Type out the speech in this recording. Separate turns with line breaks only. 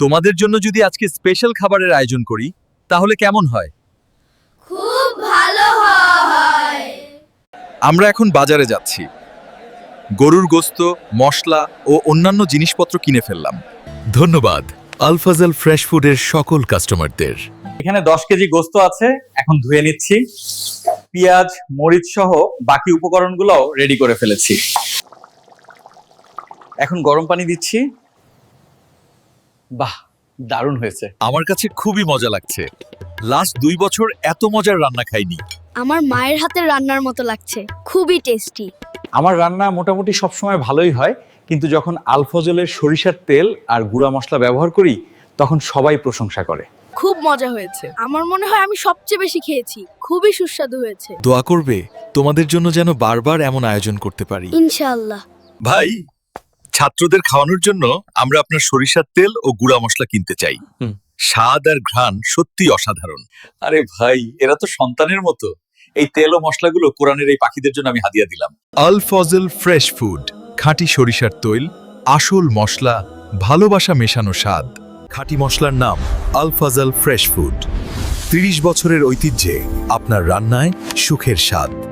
তোমাদের জন্য যদি আজকে স্পেশাল খাবারের আয়োজন করি তাহলে কেমন হয়?
খুব ভালো হয়।
আমরা এখন বাজারে যাচ্ছি। গরুর গোশত, মশলা ও অন্যান্য জিনিসপত্র কিনে ফেললাম। ধন্যবাদ আলফাজাল ফ্রেশ ফুডের সকল কাস্টমারদের।
এখানে 10 কেজি গোস্ত আছে, এখন ধুয়ে নিচ্ছি। পেঁয়াজ, মরিচ সহ বাকি উপকরণগুলোও রেডি করে ফেলেছি। এখন গরম পানি দিচ্ছি। বাহ, দারুণ হয়েছে।
আমার কাছে খুবই মজা লাগছে। লাস্ট 2 বছর এত মজার রান্না খাইনি।
আমার মায়ের হাতের রান্নার মতো লাগছে, খুবই টেস্টি।
আমার রান্না মোটামুটি সবসময় ভালোই হয়, কিন্তু যখন আলফজলের সরিষার তেল আর গুঁড়া মশলা ব্যবহার করি তখন সবাই প্রশংসা করে।
খুব মজা হয়েছে। আমার মনে হয় আমি সবচেয়ে বেশি খেয়েছি, খুবই সুস্বাদু হয়েছে।
দোয়া করবে তোমাদের জন্য যেন বারবার এমন আয়োজন করতে পারি।
ইনশাআল্লাহ।
ভাই, ছাত্রদের খাওয়ানোর জন্য আমরা আপনার সরিষার তেল ও গুঁড়া মশলা কিনতে চাই। স্বাদ আর ঘ্রাণ সত্যি অসাধারণ।
আরে ভাই, এরা তো সন্তানের মতো। এই তেল ও মশলাগুলো কোরআনের এই পাখিদের জন্য আমি হাদিয়া দিলাম।
আল ফজল ফ্রেশ ফুড, খাঁটি সরিষার তৈল, আসল মশলা, ভালোবাসা মেশানো স্বাদ। খাঁটি মশলার নাম আল ফজল ফ্রেশ ফুড। 30 বছরের ঐতিহ্যে আপনার রান্নায় সুখের স্বাদ।